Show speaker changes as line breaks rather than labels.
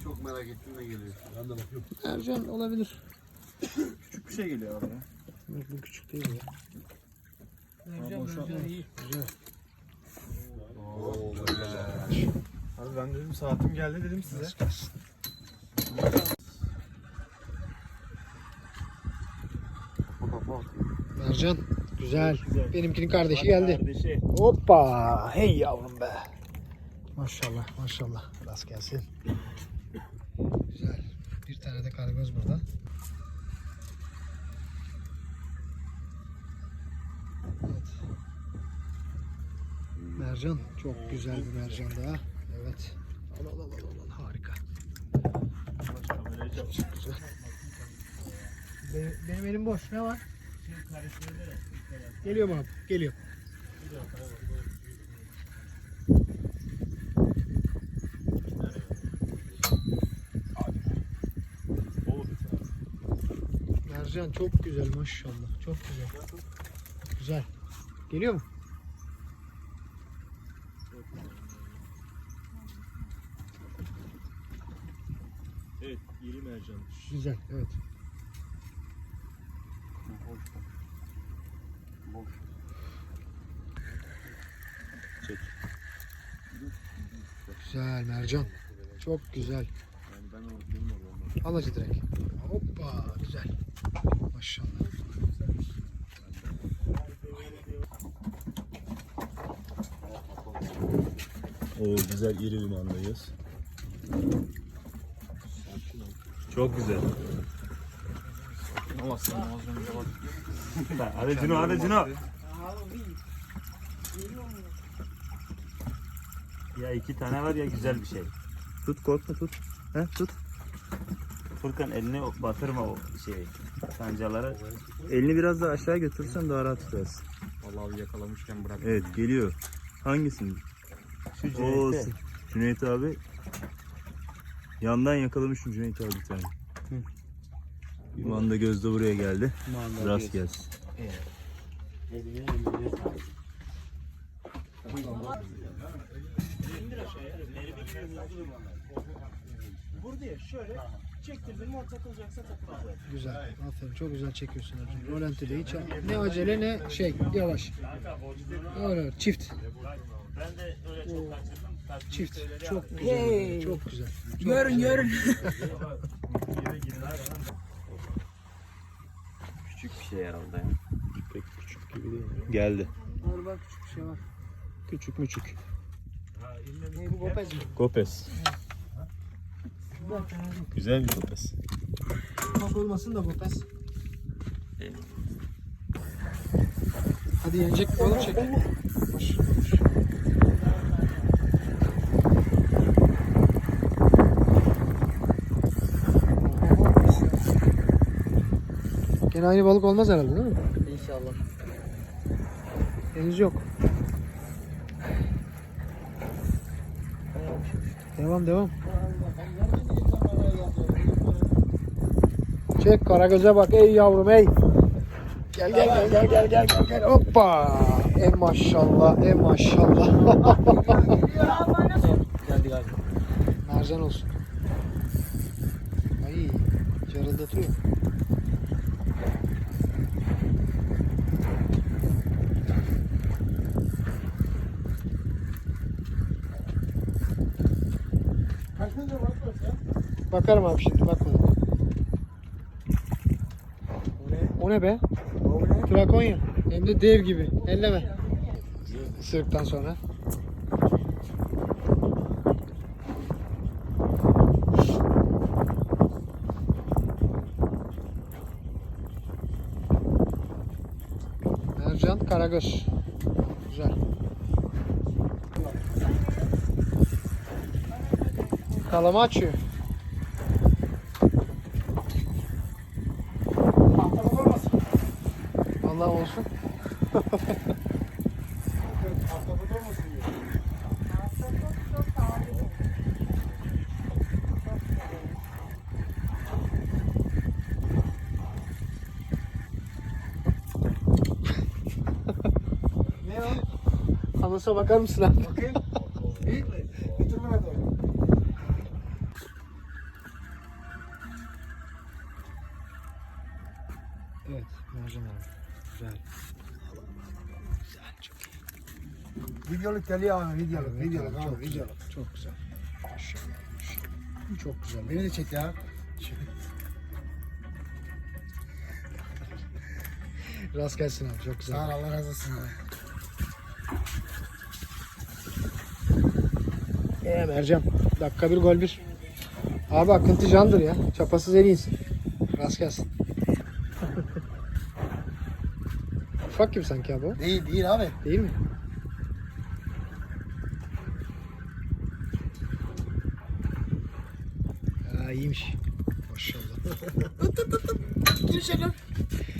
çok merak ettim ne geliyor. Ben de bakıyorum.
Mercan olabilir.
Küçük bir şey geliyor abi ya.
Bu küçük değil ya. Mercan iyi. Güzel.
Abi ben dedim saatim geldi dedim size.
Mercan güzel.
Güzel.
Benimkinin kardeşi geldi.
Kardeşi.
Hoppa. Hey yavrum be. Maşallah maşallah. Rast gelsin. Güzel. Bir tane de karagöz burada. Evet. Mercan. Çok güzel bir mercan daha. Evet. Al. Harika. Çok güzel. Benim elim boş. Ne var? Geliyorum abi. Geliyorum. Mercan çok güzel maşallah. Çok güzel. Güzel. Geliyor mu?
Evet, iri mercan.
Güzel. Evet.
Çek.
Güzel mercan. Çok güzel.
Yani ben benim oğlum.
Al acı direkt. Hoppa güzel. Maşallah.
Oo güzel iri limandayız. Çok güzel. Hadi Cino, hadi Cino. Ya iki tane var ya güzel bir şey. Tut korkma tut. He tut. Furkan elini batırma o şeyi. Kancalara. Elini biraz daha aşağı götürürsen daha rahat tutarsın.
Vallahi yakalamışken bırak.
Evet geliyor. Hangisini? Şu Cüneyt. Cüneyt abi. Yandan yakalamışım Cüneyt abi bir tane. Bir manda gözde buraya geldi. Rast gelsin.
Buraya şöyle çektirdim o takılacaksa takılacak.
Güzel. Aferin. Çok güzel çekiyorsun Ercan. Rolante de hiç ne acele ne şey. Yavaş. Öyle çift.
Ben de öyle çok kaçırdım.
Çift. Çok güzel. Çok güzel.
Görün.
Küçük bir şey herhalde.
Pek küçük gibi değil. Geldi.
Orada küçük bir şey var.
Küçük müçük.
Ne bu gopez mi?
Gopes. Güzel bir gopes.
Ufak olmasın da gopez. Hadi yenecek balık çek. Gene aynı balık olmaz herhalde değil mi?
İnşallah.
Henüz yok. Devam. Çek karagöze bak ey yavrum ey. Gel. Hoppa. Maşallah.
Geldi galiba.
Mercan olsun. Ay carıldatıyor. Bakarım abi şimdi bakmadım. O ne be? Trakonya. Hem de dev gibi. Elleme. Isırıktan sonra. Mercan, karagöz. Güzel. Kalama açıyor. Allah olsun.
Ne o?
Anasa bakar mısın abi?
Bakayım. Büyük mü? Getir bana doğru.
Evet, mercan abi. Güzel. Güzel, çok iyi.
Videoluk geliyor abi, videoluk,
Evet
videoluk
abi,
abi,
çok güzel.
videoluk.
Çok güzel. Maşallah. maşallah. Çok güzel.
Beni de çek ya.
Rast gelsin abi. Çok güzel.
Sağ ol, Allah razı olsun abi.
Mercan. Dakika bir gol bir. Abi akıntı candır ya. Çapasız en iyisi. Rast gelsin. Ufak gibi sanki abi o.
Değil, değil abi.
Değil mi? Ha iyiymiş. Maşallah.
Gir içeri.